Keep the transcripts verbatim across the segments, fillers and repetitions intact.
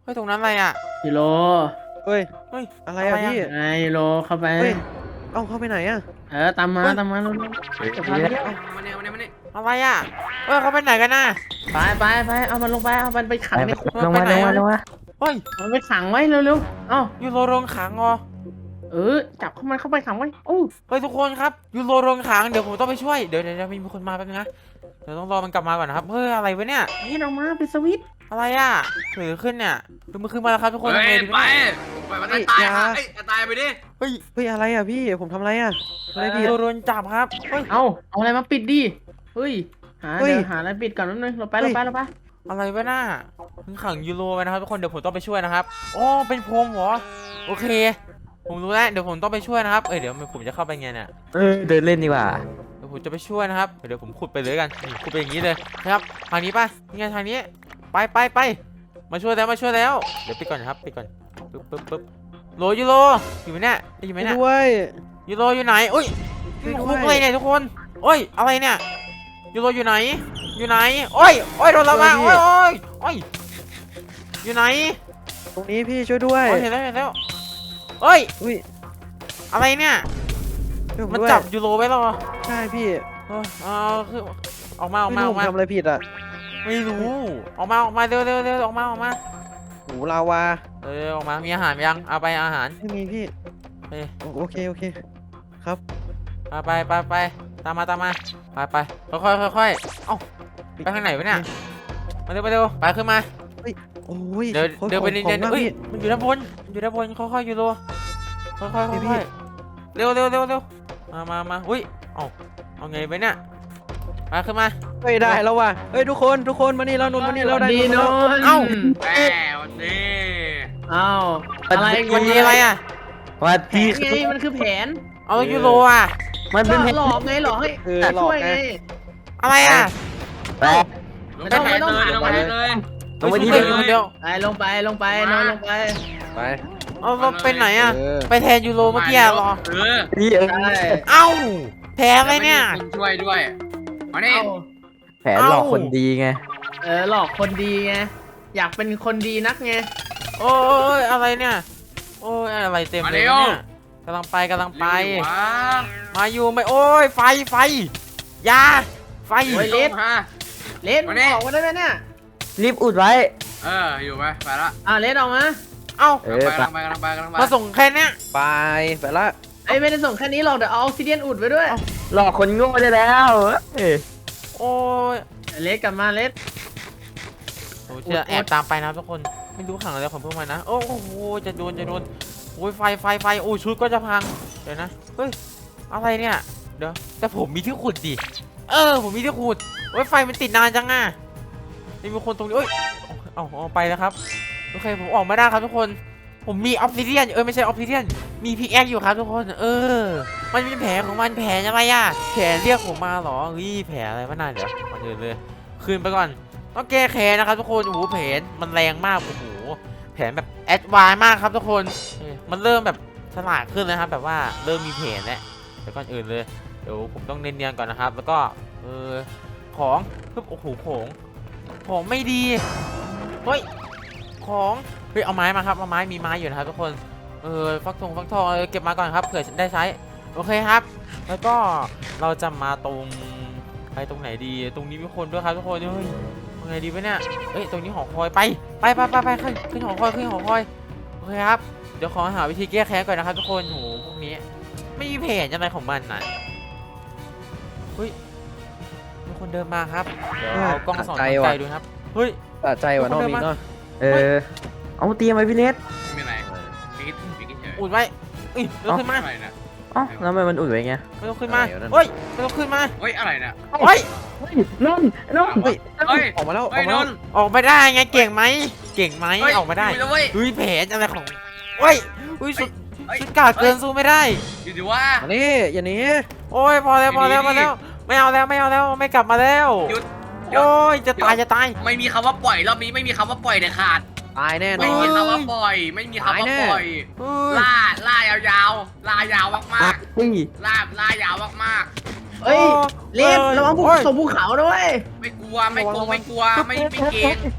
เฮ้ยตรงนั้นอะไรอ่ะยูโรเฮ้ยเฮ้ยอะไรอะพี่ไงยูโรเข้าไปเฮ้ยเอ้าเข้าไปไหนอะเออตามมาตามมาเร็วเฮ้ยๆจะนี่พาไปแหละเที่ยวมาเนี่ยมาเนี่ยมาเนี่ยอะไรอ่ะเฮ้ยเขาไปไหนกันน่ะไปไปไปเอามันลงไปเอามันไปขังไปในไปคุกลงมาลงมาลงมาเฮ้ยเอามันไปขังไว้เร็วๆเอ้ายูโรโรงขังเหรอเออจับเข้ามันเข้าไปขังไว้โอ้เฮ้ยทุกคนครับยูโรโรงขังเดี๋ยวผมต้องไปช่วยเดี๋ยวเดี๋ยวมีคนมาแป๊บนึงนะเดี๋ยวต้องรอมันกลับมาก่อนนะครับเฮ้ยอะไรวะเนี่ยนี่ออกมาเป็นสวิตช์อะไรอ่ะเกิดขึ้นเนี่ยดูมันขึ้นมาแล้วครับทุกคนเฮ้ทำไงยดีไปวะเนี่ยไปมันตายค่ะเอ้ยตายไปดิเฮ้ยเฮ้ยอะไรอะพี่ผมทำอะไรอะอะไรยูพี่โรโดนจับครับเฮ้ยเอาเอาอะไรมาปิดดิเฮ้ยหาเฮ้ยเดี๋ยวหาอะไรปิดก่อนนิดนึงเราไปเราไปเราไปอะไรวะน่าถึงขังยูโรไว้นะครับทุกคนเดี๋ยวผมต้องไปช่วยนะครับอ๋อเป็นพรมเหรอโอเค ผมรู้แล้วเดี๋ยวผมต้องไปช่วยนะครับเอ้ยเดี๋ยวผมจะเข้าไปไงเนี่ยเออเดินเล่นดีกว่าเดี๋ยวผมจะไปช่วยนะครับเดี๋ยวผมขุดไปเลยกันนี่ขุดไปอย่างนี้เลยนะครับทางนี้ป่ะนี่ไงทางนี้ไปไปไปมาช่วยแล้วมาช่วยแล้วเดี๋ยวปิดก่อนนะครับปิดก่อนปึ๊บปึ๊บปึ๊บโลยูโรอยู่ไหมเนี่ยได้อยู่ไหมเนี่ยด้วยยูโรอยู่ไหนอุ้ยช่วยด้วยคุกเลยเนี่ยทุกคนโอ้ยอะไรเนี่ยยูโรอยู่ไหนอยู่ไหนโอ้ยโอ้ยโดนละมาโอ้ยโอ้ยโอ้ยอยู่ไหนตรงนี้พี่ช่วยด้วยโอ้ยเห็นแล้วเห็นแล้วเฮ้ยอุ้ยอะไรเนี่ยช่วยผมมันด้วยจับยูโรไว้แล้วเหรอใช่พี่เออเอาคือออกมาออกไม่มาอรู้อกมาผมทำอะไรผิดอะไม่รู้ออกมาออกมาเร็วเร็วเร็วออกมาออกมาโหูลาวาเออออกมามีอาหารยังเอาไปอาหารไม่มีพี่เฮ้ยโอโอเคโอเคครับเอาไปไปไปตามมาตามมาไปไปค่อยค่อยค่อยๆเอ้าไปทางไหนวะเนี่ยมาเร็วไปเร็วไปขึ้นมาโอ้ยเดี๋ยวขอเดี๋ยวไปขอเรียนของมากเฮ้ยพี่มันอยู่ด้านบนมันอยู่ด้านบนค่อยๆยูโรค่อยๆค่อยพี่พี่ๆเร็วเร็วเร็วเร็วมามามาอุ้ยเอาเอาไงไปเนี่ยมาขึ้นมาเฮ้ยได้แล้วว่ะเฮ้ยทุกคนทุกคนมานี่แล้วนนท์มานี่แล้วได้ดีนนท์โนมาแล้วนเอ้าแหมวันนี้เอ้าอะไรวันนี้อะไรอ่ะวัดแผที่นไงมันคือแผนเอายูโรอ่ะมันเป็นหลอกไงหลอกให้เออหลช่อกวยไงไงอะไรอ่ะแปะไม่ต้องไม่ต้องเลยลงไปเลยเฮ้ยลงไปที่ช่วยเดิมคนเดียวไปลงไปลงไปนอนลงไปไปเอาเราไปไหนอ่ะเออไปแทนยูโรเมื่อกี้อะเหรอเออพี่เออใช่เอ้าแพ้ไหมเนี่ยคนช่วยด้วยมานี่เอ้าแผนหลอกคนดีไงเออหลอกคนดีไงอยากเป็นคนดีนักไงโอ้ยอะไรเนี่ยโอ้ยอะไรเต็มเลยเนี่ยกำลังไปกำลังไปวะมาอยู่ไหมโอ้ยไฟไฟยาไฟโอ้ยเล็ดฮะเลนมานี่ออกมาได้ไหมเนี่ยรีบอุดไว้ เอออยู่ไปไปละอ่าเลนออกมาเอ้าเออกำลังไปกำลังไปกำลังไปมาส่งแค่เนี้ยไปไปละไอ้ยไม่ได้ส่งแค่นี้หรอกเดี๋ยวเอาออกซิเดียนอุดไว้ด้วยหลอกคนโง่ได้แล้วเอ้ยโอ้ยเลสกลับมาเลสโอ้ยจะแอบตามไปนะทุกคนไม่รู้ขังอะไรของพวกมันนะโอ้โหจะโดนจะโดนโอ้ยไฟไฟไฟโอ้ยชุดก็จะพังเดี๋ยวนะเฮ้ยอะไรเนี่ยเดี๋ยวแต่ผมมีที่ขุดดิเออผมมีที่ขุดโอ้ยไฟมันติดนานจังอ่ะนี่มีคนตรงนี้เอ้ยเอาเอาไปแล้วครับโอเคผมออกมาได้ครับทุกคนผมมีออฟซิเดียนเออไม่ใช่ออฟซิเดียนมีพิกแอคอยู่ครับทุกคนเออมันมีแผลของมันแผลอะไรอ่ะแผลเรียกผมมาเหรอเฮ้ยแผลอะไรวะน่าเดี๋ยวมาเดินเลยคืนไปก่อนต้องแก้แค้นนะครับทุกคนโอ้โหแผลมันแรงมากโอ้โหแผลแบบแอดวานซ์มากครับทุกคนเออมันเริ่มแบบฉลาดขึ้นนะครับแบบว่าเริ่มมีแผลแล้วแต่ก่อนอื่นเลยเดี๋ยวผมต้องเนียนๆก่อนนะครับแล้วก็เออของปึ๊บโอ้โหของของไม่ดีเฮ้ยของเฮ้ยเอาไม้มาครับเอาไม้มีไม้อยู่นะครับทุกคนเออฟักทองฟักทองเออเก็บมาก่อนครับเผื่อได้ใช้โอเคครับ แล้วก็เราจะมาตรงไปตรงไหนดีตรงนี้มีคนด้วยครับทุกคนเฮ้ยตรงไหนดีวะเนี่ยเอ้ยตรงนี้หอคอยไปไปไปไปไปขึ้นขึ้นหอคอยขึ้นหอคอยโอเคครับเดี๋ยวขอหาวิธีแก้แค้นก่อนนะครับทุกคนโหพวกนี้ไม่มีเพจอะไรของมันนะเฮ้ยมีคนเดินมาครับเดี๋ยวเอากล้องส่องทางไกลดูครับเฮ้ยสะใจว่ะน้องมีเนาะเออเอาเตรียมไว้พี่เล็ดไม่เป็นไรพี่คิดพี่คิดเฉยอุดไว้เอ้ยไม่ต้องขึ้นมาอะไรนะอ๋อแล้วทำไมมันอุดไว้ไงไม่ต้องขึ้นมาเฮ้ยไม่ต้องขึ้นมาเฮ้ยอะไรนะเฮ้ยนนนนเฮ้ยเฮ้ยออกมาแล้วออเฮ้ยกมาน แล้วนออกมาได้ไงเก่งไหมเก่งไหมออกมาได้อยู่แล้วเว้ยเฮ้ยแผลอะไรของเฮ้ยเฮ้ยสุดเฮ้ยชุดกาดเกินสู้ไม่ได้อยู่ดีว่ามานี่อย่าหนีโอ้ยพอแล้วพอแล้วพอแล้วไม่เอาแล้วไม่เอาแล้วไม่กลับมาแล้วหยุดโอ้ยจะตายจะตายไม่มีคำว่าปล่อยรอบนี้ไม่มีคำว่าปล่อยเด็ดขาดตายแน่นไม่อมีนคำว่าปล่อย ไม่มีคำว่าปล่อยเฮ้ยล่าล่ายาวๆล่ายาวมากเฮ้ยๆล่าล่ายาวมากเฮ้ยเลนระวังภูโอ้ยส่งภูเขาด้วยๆไม่กลัวไม่กลัวไม่กลัวไม่ไม่เกรง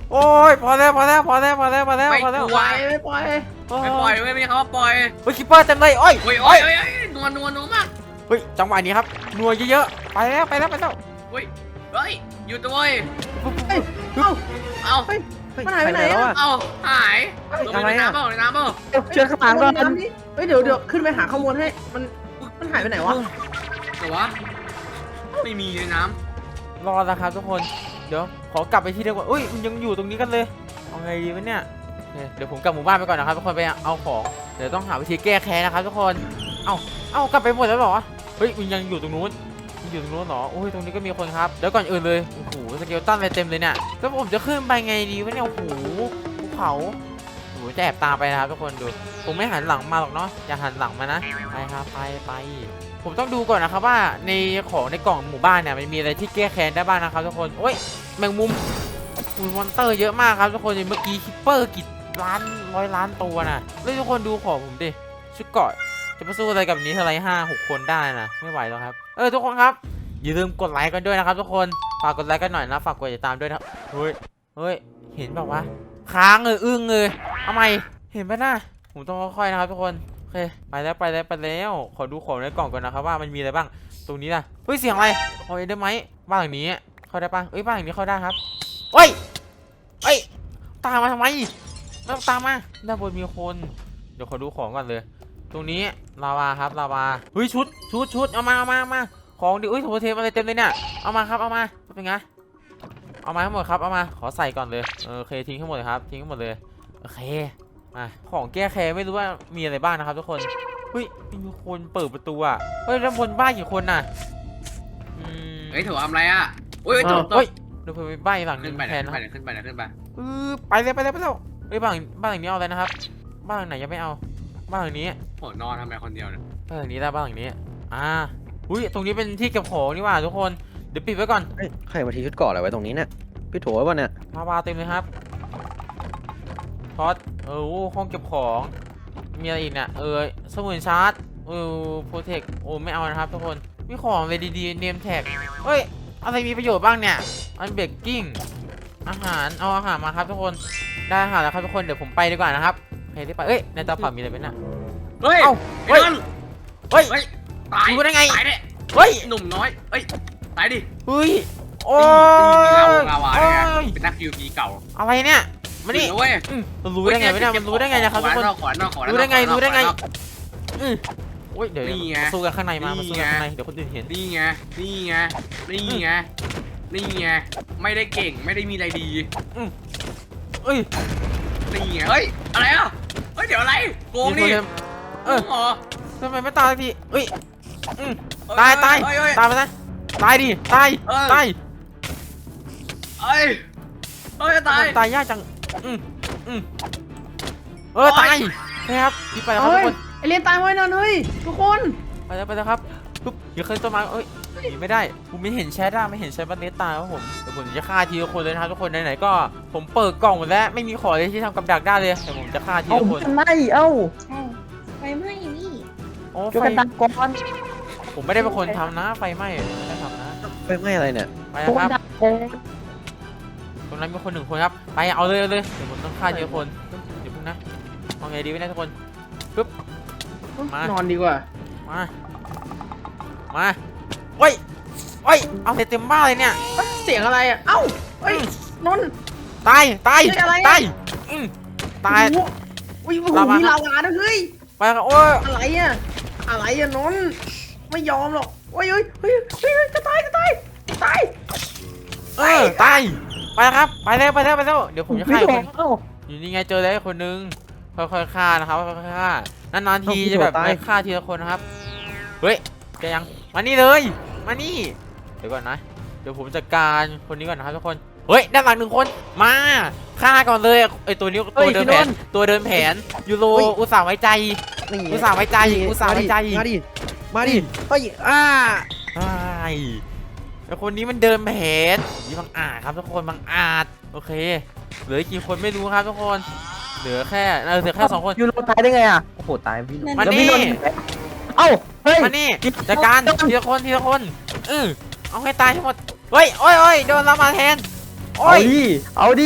โอ้ยพอแล้วพอแล้วพอแล้วพอแล้วพอแล้วไม่พอแล้วกลัปวล่อยไม่ปล่อยโอ้ไม่ปล่อยไม่มีคำว่าปล่อยเฮ้ยคิปเปอร์เต็มเลยโอ้ยโอ้ยโอ้ยโอ้ยโอ้ยนัวนัวนัวมากเฮ้ยจังหวะนี้ครับนัวเยอะๆไปแล้วไปแล้วไปแล้วเฮ้ยเฮ้ยหยุดด้วยเฮ้ยเอ้าเอ้าเฮ้ยเฮ้ยมันหายไปไหนอะแล้วอะเอ้าหายเฮ้ยลงอะไรไปในอะน้ำเปล่าในน้ำเปล่าเชื่อข้างหลังก่อนน้ำนี่เฮ้ยเดี๋ยวเดี๋ยวขึ้นไปหาข้อมูลให้มันมันหายไปไหนวะแต่ว่าไม่มีในน้รอแล้วครับทุกคนเดี๋ยวขอกลับไปที่เดิมก่อนอุ้ยมันยังอยู่ตรงนี้กันเลยเอาไงดีวะเนี่ยโอเคเดี๋ยวผมกลับหมู่บ้านไปก่อนนะครับทุกคนไปเอาของเดี๋ยวต้องหาวิธีแก้แค้นนะครับทุกคนเอ้าเอ้ากลับไปหมดแล้วเหรอเฮ้ยมันยังอยู่ตรงนู้นมันอยู่ตรงนู้นเหรอโอ้ยตรงนี้ก็มีคนครับเดี๋ยวก่อนอื่นเลยโอ้โหสเกลตันอะไรเต็มเลยเนี่ยแล้วผมจะขึ้นไปไงดีวะเนี่ยโอ้โหภูเขาโอ้โหจะแอบตามไปนะครับทุกคนดูผมไม่หันหลังมาหรอกเนาะอย่าหันหลังมานะไปครับไปไปผมต้องดูก่อนนะครับว่าในของในกล่องหมู่บ้านเนี่ยมันมีอะไรที่แก้แค้นได้บ้างนะครับทุกคนโอ้ยแมงมุมอุยมอนเตอร์เยอะมากครับทุกคนเมื่อกี้คิปเปอร์กี่ล้านร้อยล้านตัวนะแล้วทุกคนดูของผมดิชุดเกราะจะไปสู้อะไรกับนี้เท่าไรห้าหกคนได้นะไม่ไหวแล้วครับเออทุกคนครับอย่าลืมกดไลค์กันด้วยนะครับทุกคนฝากกดไลค์กันหน่อยนะฝากกดติดตามด้วยนะเฮ้ยเฮ้ยเห็นแบบว่าค้างเลยอึ้งเลยทำไมเห็นปะน่ะผมต้องค่อยๆนะครับทุกคนโอเคไปแล้วไปแล้วไปแล้วขอดูของในกล่องก่อนนะครับว่ามันมีอะไรบ้างตรงนี้นะเฮ้ยเสียงอะไรโอ้ยได้ไหมบ้านหลังนี้เข้าได้ปะเอ้ยบ้านหลังนี้เข้าได้ครับเฮ้ยเฮ้ยตามมาทำไมไม่ต้องตามมาด้านบนมีคนเดี๋ยวขอดูของก่อนเลยตรงนี้ลาวาครับลาวาเฮ้ยชุดชุดชุดเอามาเอามาเอามาของดิเอ้ยโถเทมอะไรเต็มเลยเนี่ยเอามาครับเอามาเป็นไงเอามาทั้งหมดครับเอามาขอใส่ก่อนเลยเออโอเคทิ้งทั้งหมดเลยครับทิ้งทั้งหมดเลยโอเคมาของแก้แค้นไม่รู้ว่ามีอะไรบ้างนะครับทุกคนเฮ้ยมีคนเปิดประตูอ่ะเฮ้ยแล้วบนบ้านกี่คนน่ะอืมำเฮ้ยถือว่าทำไรอ่ะโอ้ยตกตเฮ้กยเดี๋ยวผมไปบ้านอีกหลังหนึขึ้นงไปแทเดี๋ยนวนะคขึ้นรับไปเดี๋ยวขึ้นไปเดี๋ยวขึ้นไปเออไปเลยไปเลยไปเลยเฮ้ยบ้านบ้านหลังนี้เอาอะไรนะครับ บ้านหลังไหนยังไม่เอา บ้านหลังนี้โหนอนทำไมคนเดียวเนี่ยบ้านหลังนี้ได้บ้านหลังนี้ อ่า อุ้ยตรงนี้เป็นที่เก็บของนี่หว่าทุกคน เดี๋ยวปิดไว้ก่อนเฮ้ยใครมาทิ้งชุดเกราะอะไรไว้ตรงนี้เนี่ยพี่โถไว้ป่ะเนี่ยมาวาเต็มเลยครับพอดเออโอ้ห้องเก็บของ มีอะไรอีกเนี่ยเออสมุนชาร์จเออโปรเทคโอ้ไม่เอานะครับทุกคน มีของเลยดีๆเนมแท็กเฮ้ย อะไรมีประโยชน์บ้างเนี่ย อันเบกกิ้ง อาหาร เอาอาหารมาครับทุกคน ได้อาหารแล้วครับทุกคน เดี๋ยวผมไปดีกว่านะครับโอเคได้ไปเอ้ย ในเตาเผามีอะไรไหมน่ะเฮ้ยเอ้าไอ้นนเฮ้ยเฮ้ยตายรู้ได้ไงตายเนี่ยเฮ้ยหนุ่มน้อยเอ้ยตายดิเฮ้ย โอ้ยตีตีมีลาวงลาวาเนี่ยโอ้ยเป็นนักยูพีเก่าอะไรเนี่ย มานี่ถึงแล้วเว้ยอืมมันรู้ได้ไงวะเนี่ยมันรู้ได้ไงนะครับทุกคนขอนอกขอนอกรู้ได้ไง รู้ได้ไงขอนอกอืมโอ้ย เดี๋ยวนี่ไงมาสู้กันข้างในมา มาสู้กันนี่ไงข้างใน เดี๋ยวคนอื่นเห็นนี่ไง นี่ไง นี่ไง นี่ไง ไม่ได้เก่ง ไม่ได้มีอะไรดีเอ้ยนี่ไง เฮ้ย อะไรอ่ะ เฮ้ย เดี๋ยวอะไร โกงมีนี่คนเห็นเออโกงเหรอทำไมไม่ตายสักทีเอ้ยอืมเอ้ตายตายเอ้เอ้ตายไปนะตายดิ ตายเออตายเอ้ยเอ้ยตายตายยากจัง อืมอืมเออ ตายนะครับรีบไปแล้วครับเฮ้ทุยกคนไอเรียนตายไว้นอนเฮ้ยทุกคนไปแล้วไปแล้วครับปุ๊บอย่าขึ้นต้นไม้เอ้ยหนีไม่ได้ ผมไม่เห็นแชทอะไม่เห็นแชทบันเลสตายครับผมเดี๋ยวผมจะฆ่าทีละคนเลยนะครับทุกคนไหนๆก็ผมเปิดกล่องหมดแล้วไม่มีของเลยที่ทำกับดักได้เลยแต่ผมจะฆ่าทีเอาละคนทำไมเอ้าไฟไหม้นี่โอ้ช่วยไฟกันตังก่อนผมไม่ได้เป็นคนทำนะไฟไหม้ไม่ได้ทำนะไฟไหม้อะไรเนี่ยไปช่วยนะคกัรันบตังก่อนตรงนั้นมีคนหนึ่งคนครับไปเอาเลยเอาเลยเดี๋ยวผมต้องฆ่าทีละคนเดี๋ยวพึ่งนะเอาไงดีไม่ได้ทุกคนปึ๊บ มานอนดีกว่ามามาเฮ้ยเฮ้ยเอาเต็มบ้านเลยเนี่ยเสียงอะไรอ่ะเอ้าเฮ้ยนนท์ตายตายเฮ้ยอะไรอะตายอืมตายโอ้โหอุ้ยโอ้โหลาวามีมีลาวาด้วยเฮ้ยไปครับโอ้ยอะไรอ่ะอะไรอ่ะนนท์ไม่ยอมหรอกเฮ้ยเฮ้ยเฮ้ยเฮ้ยเฮ้ยจะตายจะตายตายเออตายไปแล้วครับไปแล้วไปแล้วไปแล้วเดี๋ยวผมจะฆ่าพี่อีกโถคนเอ้าอยู่นี่ไงเจอแล้วคนนึงค่อยๆฆ่านะครับค่อยๆฆ่านานๆทีเอาพี่จะแบบโดดตายฆ่าทีละคนนะครับเฮ้ยแกยังมานี่เลยมานี่เดี๋ยวก่อนนะเดี๋ยวผมจัดการคนนี้ก่อนนะครับทุกคนเฮ้ยด้านหลังหนึ่งคนมาฆ่าก่อนเลยไอตัวนี้ตัวเดินแผนตัวเดินแผนยูโรอุตส่าห์ไว้ใจนี่อุตส่าห์ไว้ใจอุตส่าห์ไว้ใจมาดิมาดิเฮ้ยอ่าใช่ไอคนนี้มันเดินแผนนี่บังอาจครับทุกคนบังอาจโอเคเหลือกี่คนไม่รู้ครับทุกคนเหลือแค่เออเหลือแค่สองคนยูโรตายได้ไงอ่ะโอ้โหตายพี่มาแล้วนี่พี่นนท์เอ้าเฮ้ยมานี่จัดการทีละคนทีละคนเออเอาให้ตายทั้งหมดเฮ้ยโอ้ยโอ้ยโดนเรามาแทนโอ้เอายดิเอาดิ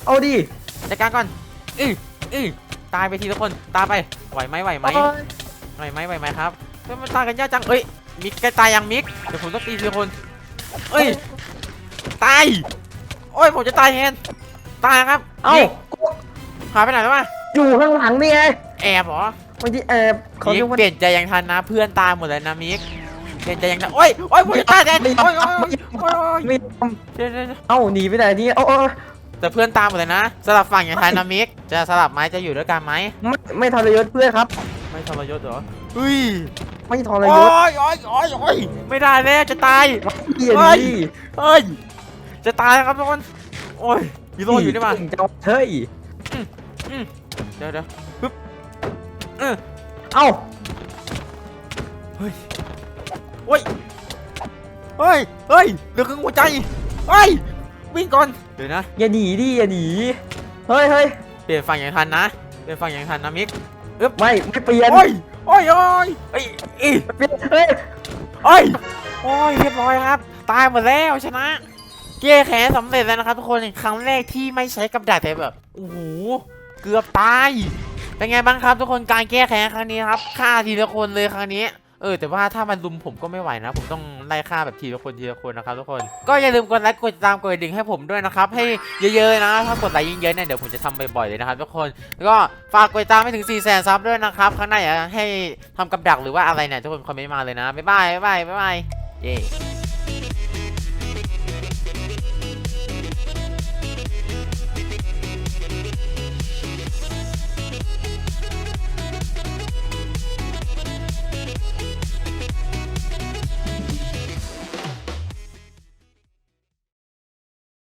เอาดิจัดการก่อนอืออือตายไปทีละคนตายไปไหวไหมไหวไหมโอ้ยไหวไหมไหวไหมครับเฮ้ยมันตายกันยากจังเอ้ยมิกใกล้ตายยังมิกเดี๋ยวผมต้องตีทีละคนเอ้ยตายโอ้ยผมจะตายแทนตายครับเอ้ามิกกูหายไปไหนแล้ววะอยู่ข้างหลังนี่ไงแอบเหรอบางทีแอบเขามิเรียกกว่าเปลี่ยนใจยังทันนะเพื่อนตายหมดเลยนะมิกเปลี่ยนใจยังทันโอ้ยโอ้ยผมจะตายแทนโอ้ยโอ้ยโอ้ยโอ้ยโอ้ยไม่ทเดี๋ยวเดี๋ยวเดี๋ยวำเอ้าหนีไปไหนนี่เอ้าเอ้าแต่เพื่อนตามหมดเลยนะสลับฝั่งอย่างไทยนะมิกจะสลับไหมจะอยู่ด้วยกันไหมไม่ไม่ทรยศเพื่อนครับไม่ทรยศเหรอเฮ้ยไม่ทรโอ้ยศยโอ้ยโอ้ยโอ้ยไม่ได้แล้วจะตายเฮียเฮ้ยดีเฮ้ยจะตายแล้วครับทุกคนโอ้ยฮีโร่อยู่นี่มาเจ้าเฮ้ยเดี๋ยวเดี๋ยวปึ๊บเอ้าเฮ้ยโอ้ยเฮ้ยเฮ้ยเหลือครึ่งหัวใจเฮ้ยวิ่งก่อนเดี๋ยวนะอย่าหนีดิอย่าหนีเฮ้ยเฮ้ยเปลี่ยนฝั่งอย่างทันนะเปลี่ยนฝั่งอย่างทันนะมิกไม่ไม่เปลี่ยนโอ้ยโอ้ยโอ้ยเอ้ยอีเปลี่ยนเฮ้ยโอ้ยโอ้ยเรียบร้อยครับ ตายหมดแล้วชนะแก้แค้นสำเร็จแล้วนะครับทุกคนครั้งแรกที่ไม่ใช้กับดักแต่แบบโอ้โหเกือบตายเป็นไงบ้างครับทุกคนการแก้แค้นครั้งนี้ครับฆ่าทีละคนเลยครั้งนี้เออแต่ว่าถ้ามันลุมผมก็ไม่ไหวนะ ผมต้องไล่ฆ่าแบบทีละคนทีละคนนะครับทุกคนก็อย่าลืมกดไลค์กดติดตามกดกระดิ่งให้ผมด้วยนะครับให้เยอะๆนะถ้ากดไลค์เยอะๆเนี่ยเดี๋ยวผมจะทำบ่อยๆเลยนะครับทุกคนแล้วก็ฝากกดติดตามให้ถึง สี่แสน ซับด้วยนะครับข้างในอยากให้ทำกับดักหรือว่าอะไรเนี่ยทุกคนคอมเมนต์มาเลยนะบ๊ายบายบ๊ายบายบ๊ายบายเย้